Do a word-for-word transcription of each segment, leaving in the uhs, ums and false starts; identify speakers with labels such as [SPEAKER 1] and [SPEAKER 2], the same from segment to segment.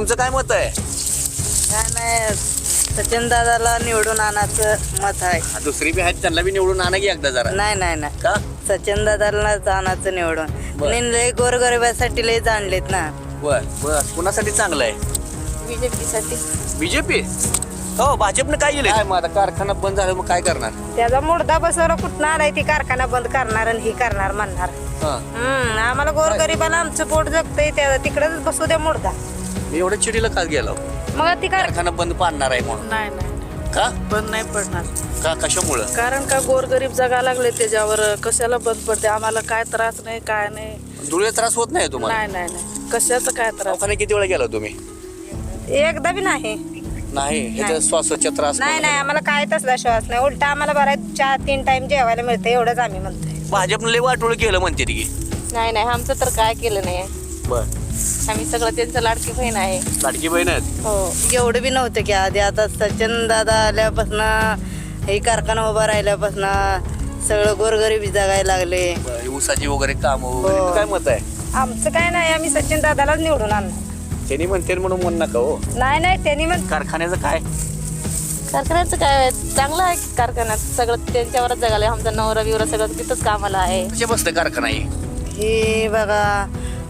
[SPEAKER 1] तुमचं काय मत आहे?
[SPEAKER 2] काय नाही, सचिन दादाला निवडून आणायचं मत आहे.
[SPEAKER 1] दुसरी बी आहेत त्यांना बी निवडून आणा की एकदा जरा.
[SPEAKER 2] नाही नाही नाही
[SPEAKER 1] का?
[SPEAKER 2] सचिन दादाला आणायचं निवडून.
[SPEAKER 1] बर.
[SPEAKER 2] आणि लय गोरगरिबासाठी लय जाणलेत ना.
[SPEAKER 1] बर बर कुणासाठी चांगलं आहे?
[SPEAKER 2] बीजेपी साठी.
[SPEAKER 1] बीजेपी? हो, भाजपनं काय केलं? काय मग आता कारखाना बंद झाला मग काय करणार?
[SPEAKER 2] त्याचा मुर्दा बसवला कुठं आलाय, ती कारखाना बंद करणार आणि ही करणार म्हणणार.
[SPEAKER 1] हा.
[SPEAKER 2] हम्म आम्हाला गोरगरिबाला आमचं पोट जगतंय, त्या तिकडेच बसू द्या मुर्दा.
[SPEAKER 1] मी एवढ्या चिडीला का गेलो?
[SPEAKER 2] मग ती कार
[SPEAKER 1] कारखाना बंद पाडणार आहे म्हणून.
[SPEAKER 3] नाही नाही
[SPEAKER 1] का?
[SPEAKER 3] बंद नाही पडणार.
[SPEAKER 1] का कशामुळं?
[SPEAKER 3] कारण का गोरगरीब जगा लागले त्याच्यावर, कशाला बंद पडते? आम्हाला काय त्रास नाही, काय नाही.
[SPEAKER 1] धुळे त्रास होत नाही तुम्हाला?
[SPEAKER 3] नाही नाही नाही कशाचं काय त्रास.
[SPEAKER 1] दवाखान्यात किती वेळा गेला तुम्ही?
[SPEAKER 2] एकदा बी नाही.
[SPEAKER 1] नाही, ह्याचा श्वासाचा त्रास
[SPEAKER 2] नाही नाही आम्हाला काय तसला श्वास नाही. उलटा आम्हाला बराच चार तीन टाइम जेवायला मिळतं, एवढंच आम्ही म्हणतोय.
[SPEAKER 1] भाजपनं लय वाटोळ केलं म्हणते की.
[SPEAKER 4] नाही नाही आमचं तर काय केलं नाही.
[SPEAKER 1] बर.
[SPEAKER 4] आम्ही सगळं त्यांचं लाडकी बहीण आहे.
[SPEAKER 1] लाडकी बहीण आहेत?
[SPEAKER 4] हो.
[SPEAKER 2] एवढं बी नव्हतं की आधी. आता सचिन दादा आल्यापासून, हे कारखाना उभा राहिल्यापासून सगळं गोरगरीबी जगायला लागले.
[SPEAKER 1] बरं, ऊसाची वगैरे काम वगैरे.
[SPEAKER 2] हो.
[SPEAKER 1] काय मत आहे?
[SPEAKER 2] आमचं काय नाही, आम्ही सचिन दादालाच निवडून आणणार.
[SPEAKER 1] त्यांनी म्हणते म्हणून म्हण नका हो.
[SPEAKER 2] नाही नाही त्यांनी म्हण
[SPEAKER 1] कारखान्याचं काय?
[SPEAKER 4] कारखान्याचं काय चांगलं आहे की, कारखान्यात सगळं त्यांच्यावरच जगाले. आमचा नवरा बिवरा सगळं तिथंच कामाला आहे.
[SPEAKER 1] कसे बसतं कारखाना ही?
[SPEAKER 2] हे बघा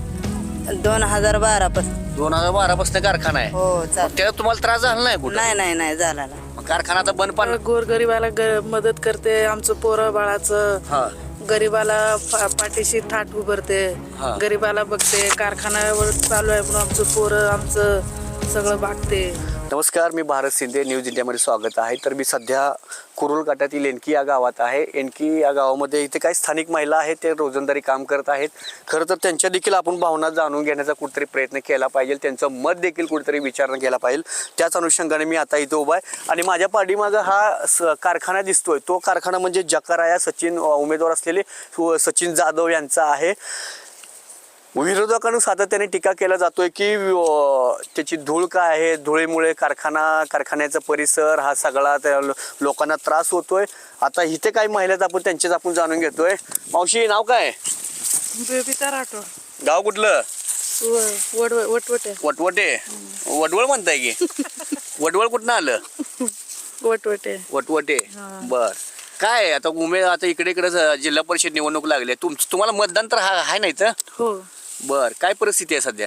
[SPEAKER 2] दोन हजार बारा पासून.
[SPEAKER 1] दोन हजार बारा पासून कारखाना आहे.
[SPEAKER 2] हो
[SPEAKER 1] मग
[SPEAKER 2] चाल.
[SPEAKER 1] त्याला तुम्हाला त्रास झाला नाही कुठं?
[SPEAKER 2] नाही नाही नाही झाला ना.
[SPEAKER 1] मग कारखाना आता बंद पण.
[SPEAKER 3] गोरगरिबाला ग- मदत करते, आमचं पोरं बाळाचं.
[SPEAKER 1] हा.
[SPEAKER 3] गरीबाला पा- पाठीशी थाट उभारते,
[SPEAKER 1] हा.
[SPEAKER 3] गरीबाला बघते. कारखान्यावर चालू आहे म्हणून आमचं पोरं आमचं सगळं भागते.
[SPEAKER 1] नमस्कार, मी भारत शिंदे, न्यूज इंडियामध्ये स्वागत आहे. तर मी सध्या कुरुल घाटातील एनकी या गावात आहे. एनकी या गावामध्ये इथे काही स्थानिक महिला आहेत, ते रोजंदारी काम करत आहेत. खरं तर त्यांच्या देखील आपण भावना जाणून घेण्याचा कुठेतरी प्रयत्न केला पाहिजे, त्यांचं मत देखील कुठेतरी विचारणा केला पाहिजे. त्याच अनुषंगाने मी आता इथे उभा आहे आणि माझ्या पाठीमागं हा स कारखाना दिसतोय. तो कारखाना म्हणजे जकाराया सचिन उमेदवार असलेले सचिन जाधव यांचा आहे. विरोधकांना सातत्याने टीका केला जातोय की त्याची धूळ काय आहे, धुळीमुळे कारखाना कारखान्याचा परिसर हा सगळा त्या लोकांना त्रास होतोय. आता इथे काही महिला आपण त्यांचेच आपण जाणून घेतोय. मावशी, नाव काय?
[SPEAKER 3] बेबीचा राठोड.
[SPEAKER 1] गाव कुठलं?
[SPEAKER 3] वड वटवटे.
[SPEAKER 1] वटवटे? वडवळ म्हणताय की? वडवळ कुठनं आलं?
[SPEAKER 3] वटवटे.
[SPEAKER 1] वटवटे. बर. काय आता उमे आता इकडे इकडे जिल्हा परिषद निवडणूक लागली, तुम तुम्हाला मतदान तर हा- आहे नाही तर?
[SPEAKER 3] हो.
[SPEAKER 1] बर. काय परिस्थिती आहे सध्या?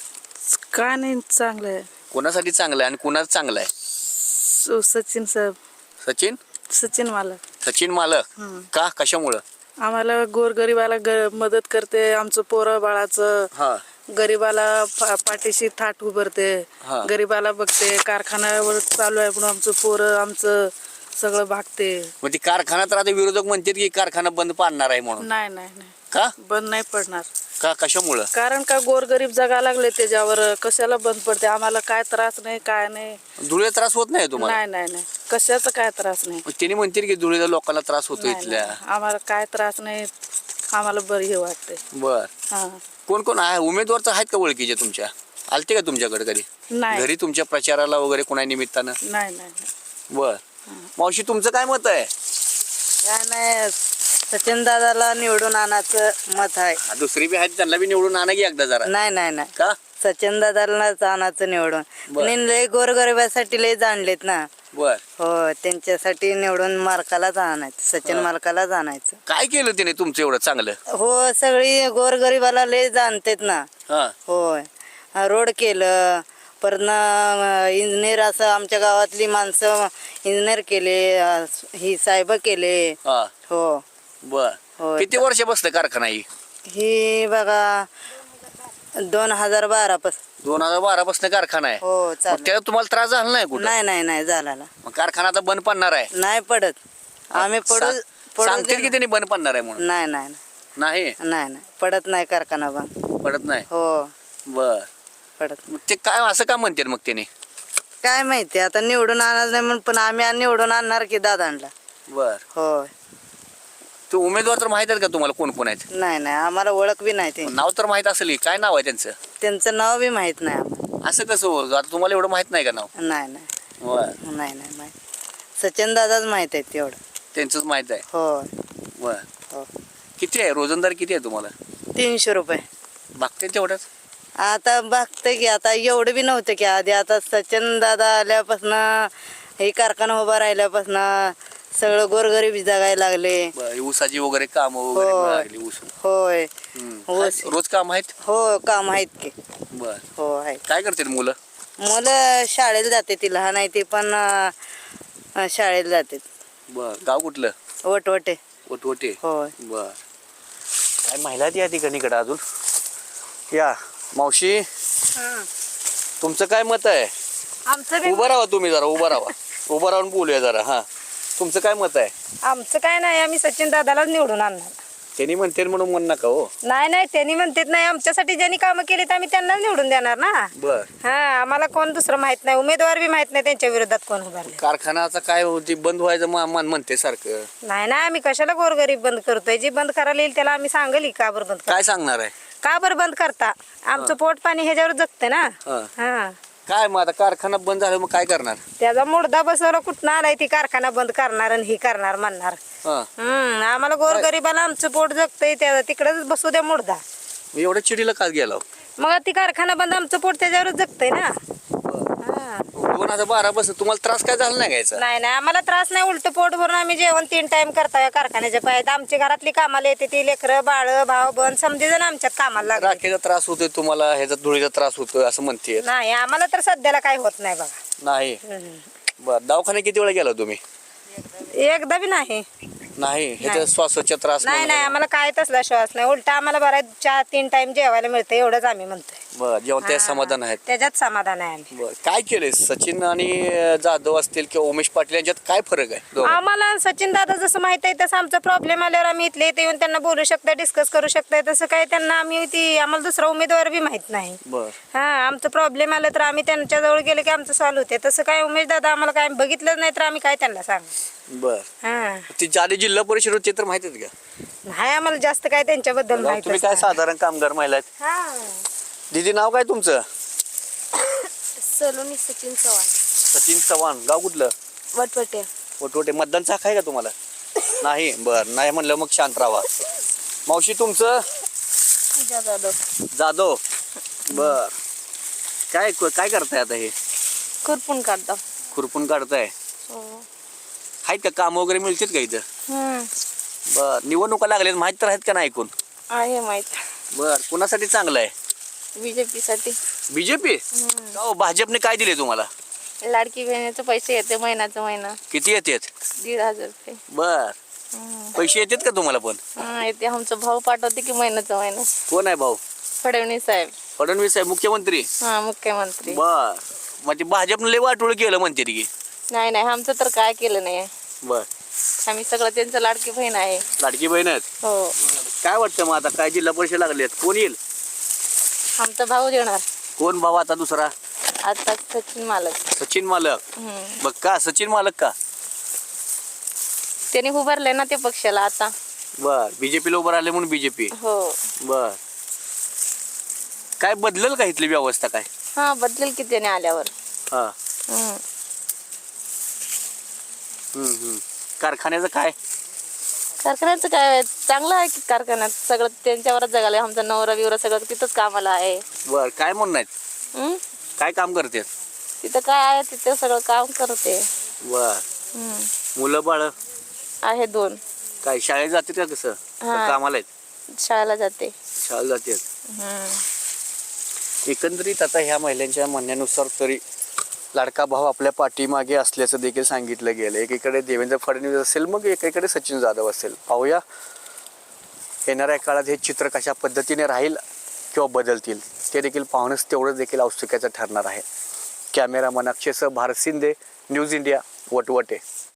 [SPEAKER 3] काय नाही चांगलं आहे.
[SPEAKER 1] कोणासाठी चांगलं आहे आणि कुणाचं चांगलं आहे?
[SPEAKER 3] सो- सचिन साहेब.
[SPEAKER 1] सचिन
[SPEAKER 3] सचिन मालक.
[SPEAKER 1] सचिन मालक. का? कशामुळं?
[SPEAKER 3] आम्हाला गोरगरिबाला ग- मदत करते, आमचं पोरं बाळाचं.
[SPEAKER 1] हा.
[SPEAKER 3] गरीबाला पा- पाठीशी थाट उभारते,
[SPEAKER 1] हा.
[SPEAKER 3] गरीबाला बघते. कारखान्यावर चालू आहे म्हणून आमचं पोरं आमचं सगळं भागते.
[SPEAKER 1] मग ती कारखाना तर आता विरोधक म्हणतात की कारखाना बंद पाडणार आहे म्हणून.
[SPEAKER 3] नाही नाही नाही
[SPEAKER 1] का?
[SPEAKER 3] बंद नाही पडणार.
[SPEAKER 1] का? कशामुळं?
[SPEAKER 3] कारण का गोरगरीब जगा लागले त्याच्यावर, कशाला बंद पडते? आम्हाला काय त्रास नाही, काय नाही.
[SPEAKER 1] धुळे त्रास होत नाही तुम्हाला?
[SPEAKER 3] नाही नाही नाही कशाचा काय त्रास नाही.
[SPEAKER 1] मग त्यांनी म्हणतील की धुळेच्या लोकांना त्रास होतो
[SPEAKER 3] नाही,
[SPEAKER 1] इथल्या.
[SPEAKER 3] नाही. आम्हाला काय त्रास नाही, आम्हाला बरं हे वाटते.
[SPEAKER 1] बर.
[SPEAKER 3] हा.
[SPEAKER 1] कोण कोण आहे उमेदवार तर आहेत का ओळखीचे तुमच्या? आलते का तुमच्याकडे कधी?
[SPEAKER 3] नाही
[SPEAKER 1] घरी तुमच्या प्रचाराला वगैरे कोणा निमित्तानं?
[SPEAKER 3] नाही नाही नाही.
[SPEAKER 1] बर. मावशी, तुमचं काय मत आहे?
[SPEAKER 2] काय नाही, सचिन दादाला निवडून आणायचं मत आहे.
[SPEAKER 1] हा, दुसरी बी आहेत त्यांना बी निवडून आणा की एकदा जरा.
[SPEAKER 2] नाही नाही नाही
[SPEAKER 1] का?
[SPEAKER 2] सचिन दादालाच आणायचं निवडून.
[SPEAKER 1] बर.
[SPEAKER 2] आणि लय गोरगरिबासाठी लय जाणलेत ना.
[SPEAKER 1] बर.
[SPEAKER 2] हो त्यांच्यासाठी निवडून मालकालाच आणायचं, सचिन
[SPEAKER 1] हा.
[SPEAKER 2] मालकालाच आणायचं.
[SPEAKER 1] काय केलं त्याने तुमचं एवढं चांगलं?
[SPEAKER 2] हो सगळी गोरगरिबाला लय जाणतेत ना.
[SPEAKER 1] हा.
[SPEAKER 2] होय. रोड केलं, परत इंजिनियर असं आमच्या गावातली माणसं इंजिनियर केले, अं, ही साहेब केले.
[SPEAKER 1] हा.
[SPEAKER 2] हो
[SPEAKER 1] बर.
[SPEAKER 2] होय.
[SPEAKER 1] किती वर्ष बसतं कारखाना ही?
[SPEAKER 2] ही बघा दोन हजार बारा पासून.
[SPEAKER 1] दोन हजार बारा पासून कारखाना आहे.
[SPEAKER 2] हो
[SPEAKER 1] मग
[SPEAKER 2] चालेल.
[SPEAKER 1] त्याला तुम्हाला त्रास झाला नाही कुठं?
[SPEAKER 2] नाही नाही नाही झाला ना.
[SPEAKER 1] मग कारखाना आता बंद पडणार आहे?
[SPEAKER 2] नाही पडत. आम्ही पडू
[SPEAKER 1] सा-
[SPEAKER 2] पडू
[SPEAKER 1] सांगतील
[SPEAKER 2] दे
[SPEAKER 1] की त्यांनी बंद पडणार आहे म्हणून?
[SPEAKER 2] ना. नाही नाही
[SPEAKER 1] नाही
[SPEAKER 2] नाही नाही पडत नाही कारखाना बंद.
[SPEAKER 1] पडत नाही.
[SPEAKER 2] हो
[SPEAKER 1] बर.
[SPEAKER 2] पडत.
[SPEAKER 1] मग ते काय असं का म्हणतात मग त्याने?
[SPEAKER 2] काय माहिती आता निवडून आणणार नाही म्हणून, पण आम्ही निवडून आणणार की दादांना.
[SPEAKER 1] बर.
[SPEAKER 2] होय.
[SPEAKER 1] ते उमेदवार तर माहित आहेत का तुम्हाला कोण कोण आहेत?
[SPEAKER 2] नाही नाही आम्हाला ओळख बी नाही ते.
[SPEAKER 1] नाव तर माहित असेल की. काय नाव आहे त्यांचं?
[SPEAKER 2] त्यांचं नाव बी माहित नाही आम्हाला.
[SPEAKER 1] असं कसं हो? आता तुम्हाला एवढं माहित नाही का नाव?
[SPEAKER 2] नाही नाही
[SPEAKER 1] बर.
[SPEAKER 2] नाही नाही माहित. सचिन दादाच माहित आहे तेवढं.
[SPEAKER 1] त्यांचंच माहित आहे.
[SPEAKER 2] होय.
[SPEAKER 1] बर.
[SPEAKER 2] हो.
[SPEAKER 1] किती आहे रोजंदारी किती आहे तुम्हाला?
[SPEAKER 2] तीनशे रुपये.
[SPEAKER 1] बघते तेवढंच?
[SPEAKER 2] आता बघते की आता एवढं बी नव्हतं की आधी आता सचिन दादा आल्यापासून हे कारखाना उभा राहिल्यापासून सगळं गोरगरीब जगायला लागले.
[SPEAKER 1] बरं, ऊसाची वगैरे काम वगैरे
[SPEAKER 2] होय.
[SPEAKER 1] मिळाली ऊस
[SPEAKER 2] होय
[SPEAKER 1] हम्म.
[SPEAKER 2] ऊस.
[SPEAKER 1] काय, रोज काम आहेत.
[SPEAKER 2] हो काम आहेत की.
[SPEAKER 1] बर,
[SPEAKER 2] हो आहेत.
[SPEAKER 1] काय करतात मुलं?
[SPEAKER 2] मुलं शाळेला जाते ती लहान आहे ती पण अं, शाळेला जाते.
[SPEAKER 1] बर, गाव कुठलं?
[SPEAKER 2] वटवटे.
[SPEAKER 1] वटवटे.
[SPEAKER 2] होय.
[SPEAKER 1] बर, काय महिला आहेत या ठिकाणीकडे अजून? या मावशी, तुमचं काय मत आहे?
[SPEAKER 5] आमचं
[SPEAKER 1] उभं राहा तुम्ही, जरा उभं राहा. उभं राहून बोलूया जरा. हा, तुमचं काय मत आहे?
[SPEAKER 5] आमचं काय नाही, आम्ही सचिन दादालाच निवडून आणणार.
[SPEAKER 1] त्यांनी म्हणते म्हणून म्हण नका हो.
[SPEAKER 5] नाही नाही त्यांनी म्हणतात नाही, आमच्यासाठी ज्यांनी कामं केली तर आम्ही त्यांनाच निवडून देणार ना.
[SPEAKER 1] बर,
[SPEAKER 5] हा आम्हाला कोण दुसरं माहित नाही, उमेदवार बी माहित नाही त्यांच्या विरोधात कोण उभारले.
[SPEAKER 1] कारखानाचा काय होती बंद व्हायचं मा- मान म्हणते सारखं.
[SPEAKER 5] नाही नाही आम्ही कशाला गोरगरीब बंद करतोय, जी बंद करायला येईल त्याला आम्ही सांगली का बरं बंद कर,
[SPEAKER 1] काय सांगणार आहे?
[SPEAKER 5] का बरं बंद करता, आमचं पोट पाणी ह्याच्यावर जगते ना.
[SPEAKER 1] हा.
[SPEAKER 5] हा
[SPEAKER 1] काय मग आता कारखाना बंद झाला मग काय करणार?
[SPEAKER 5] त्याचा मुर्दा बसवला कुठं आलाय, ती कारखाना बंद करणार आणि ही करणार म्हणणार.
[SPEAKER 1] हा,
[SPEAKER 5] हम्म आम्हाला गोरगरिबाला आमचं पोट जगतंय, त्या तिकडेच बसू द्या मुर्दा.
[SPEAKER 1] मग एवढ्या चिडीला का गेला?
[SPEAKER 5] मग ती कारखाना बंद, आमचं पोट त्याच्यावरच जगतंय ना. हा.
[SPEAKER 1] दोन हजार बारा बस तुम्हाला त्रास काय झाला नाही घ्यायचा?
[SPEAKER 5] नाही नाही आम्हाला त्रास नाही, उलट पोट भरून आम्ही जेवण तीन टाइम करताय कारखान्याच्या पायात. आमची घरातली कामाला येते ती लेकरं बाळ भाव बन समजे जण आमच्यात कामाला लागले.
[SPEAKER 1] राखेचा त्रास होतोय तुम्हाला, ह्याचा धुळीचा त्रास होतोय असं म्हणते.
[SPEAKER 5] नाही आम्हाला तर सध्याला काही होत नाही बघा.
[SPEAKER 1] नाही.
[SPEAKER 5] हम्म.
[SPEAKER 1] बर, दवाखाने किती वेळा गेला तुम्ही?
[SPEAKER 5] एकदा बी नाही.
[SPEAKER 1] नाही, ह्याचा श्वासाचा त्रास
[SPEAKER 5] नाही नाही आम्हाला काय तसला श्वास नाही, उलट आम्हाला बरा चार तीन टाइम जेवायला मिळतं एवढंच आम्ही म्हणतोय.
[SPEAKER 1] बर, जेव्हा त्या
[SPEAKER 5] हा.
[SPEAKER 1] समाधान आहेत.
[SPEAKER 5] त्याच्यात समाधान आहे आम्ही.
[SPEAKER 1] बर, काय केलंय सचिन आणि जाधव असतील किंवा उमेश पाटील यांच्यात काय फरक आहे दोघांत?
[SPEAKER 5] आम्हाला सचिन दादा जसं माहित आहे तसं आमचा प्रॉब्लेम आल्यावर आम्ही इथले इथे येऊन त्यांना बोलू शकता, डिस्कस करू शकता. तसं काय त्यांना आम्ही ती आम्हाला दुसरा उमेदवार बी माहित नाही.
[SPEAKER 1] बर,
[SPEAKER 5] हा आमचं प्रॉब्लेम आलं तर आम्ही त्यांच्या जवळ गेलो की आमचं सॉल्व्ह होते. तसं काय उमेश दादा आम्हाला काय बघितलं नाही तर आम्ही काय त्यांना सांग.
[SPEAKER 1] बर.
[SPEAKER 5] हा
[SPEAKER 1] ती जाली जिल्हा परिषद होती तर माहित आहेत का?
[SPEAKER 5] नाही आम्हाला जास्त काय त्यांच्याबद्दल
[SPEAKER 1] तुम्ही
[SPEAKER 5] माहित
[SPEAKER 1] काय साधारण कामगार महिला आहेत.
[SPEAKER 5] हा
[SPEAKER 1] दीदी, नाव काय तुमचं?
[SPEAKER 4] सलोनी सचिन चव्हाण,
[SPEAKER 1] सचिन चव्हाण. गाव कुठलं?
[SPEAKER 4] वटवटे.
[SPEAKER 1] वटवटे. मतदानचा हक्क आहे का तुम्हाला? नाही. बर, नाही म्हणलं मग शांत राहा. मावशी, तुमचं?
[SPEAKER 4] पूजा जाधव.
[SPEAKER 1] जाधव. बर, काय काय करताय आता? हे
[SPEAKER 4] खुरपून काढतो.
[SPEAKER 1] खुरपून काढताय. आहेत का काम वगैरे मिळतात का इथं?
[SPEAKER 4] हम्म
[SPEAKER 1] बर, निवडणुका लागल्यात माहित तर आहेत का नाही ऐकून?
[SPEAKER 4] आहे माहित.
[SPEAKER 1] बर, कुणासाठी चांगलं आहे?
[SPEAKER 4] बीजेपी साठी.
[SPEAKER 1] बीजेपी? हो, भाजपने काय दिले तुम्हाला?
[SPEAKER 4] लाडकी बहिणीचे पैसे येते महिन्याचा महिना,
[SPEAKER 1] किती येतात?
[SPEAKER 4] दीड हजार रुपये.
[SPEAKER 1] बर,
[SPEAKER 4] हम्म.
[SPEAKER 1] पैसे येतात का तुम्हाला पण?
[SPEAKER 4] हा, येते. आमचा भाऊ पाठवते की महिन्याचा महिना.
[SPEAKER 1] कोण आहे भाऊ?
[SPEAKER 4] फडणवीस साहेब.
[SPEAKER 1] फडणवीस आहे मुख्यमंत्री?
[SPEAKER 4] हा मुख्यमंत्री.
[SPEAKER 1] बर, मग ते भाजपने लय वाटोळ केलं म्हणते की.
[SPEAKER 4] नाही नाही आमचं तर काय केलं नाही.
[SPEAKER 1] बर,
[SPEAKER 4] आम्ही सगळं त्यांचं लाडकी बहीण आहे.
[SPEAKER 1] लाडकी बहीण आहेत.
[SPEAKER 4] हो.
[SPEAKER 1] काय वाटतं मग आता काय जिल्हा परिषद लागलेत, कोण येईल?
[SPEAKER 4] आमचा भाऊ देणार
[SPEAKER 1] कोण भाऊ आता दुसरा?
[SPEAKER 4] आता सचिन मालक.
[SPEAKER 1] सचिन मालक.
[SPEAKER 4] हम्म.
[SPEAKER 1] बघ, का सचिन मालक का?
[SPEAKER 4] त्यांनी उभारले ना ते पक्षाला आता.
[SPEAKER 1] बर, बीजेपीला उभं राहिले म्हणून बीजेपी.
[SPEAKER 4] हो.
[SPEAKER 1] बर, काय बदलल का इथली व्यवस्था काय?
[SPEAKER 4] हा बदलेल की त्याने आल्यावर.
[SPEAKER 1] हा.
[SPEAKER 4] हम्म.
[SPEAKER 1] हम्म, हम्म. कारखान्याचं काय?
[SPEAKER 4] कारखान्याचं काय चांगलं आहे की, कारखान्यात सगळं त्यांच्यावरच जगाले. आमचा नवरा बिवरा सगळं तिथंच कामाला आहे.
[SPEAKER 1] बर, काय म्हणणं आहेत?
[SPEAKER 4] हम्म?
[SPEAKER 1] काय काम करते?
[SPEAKER 4] तिथं काय आहे तिथं सगळं काम करते.
[SPEAKER 1] बर,
[SPEAKER 4] हम्म.
[SPEAKER 1] मुलं बाळ
[SPEAKER 4] आहे दोन.
[SPEAKER 1] काय शाळेत जाते का कसं?
[SPEAKER 4] हा.
[SPEAKER 1] का कामाला आहेत?
[SPEAKER 4] शाळेला जाते.
[SPEAKER 1] शाळेला जाते.
[SPEAKER 4] हम्म.
[SPEAKER 1] एकंदरीत आता ह्या महिलांच्या म्हणण्यानुसार तरी लाडका भाऊ आपल्या पाठीमागे असल्याचं देखील सांगितलं गेलं. एकीकडे देवेंद्र फडणवीस असेल, मग एकीकडे सचिन जाधव असेल. पाहूया येणाऱ्या काळात हे चित्र कशा पद्धतीने राहील किंवा बदलतील ते देखील पाहणंच तेवढंच देखील औत्सुक्याचं ठरणार आहे. कॅमेरामन अक्षयसह भारत शिंदे, न्यूज इंडिया, वटवटे.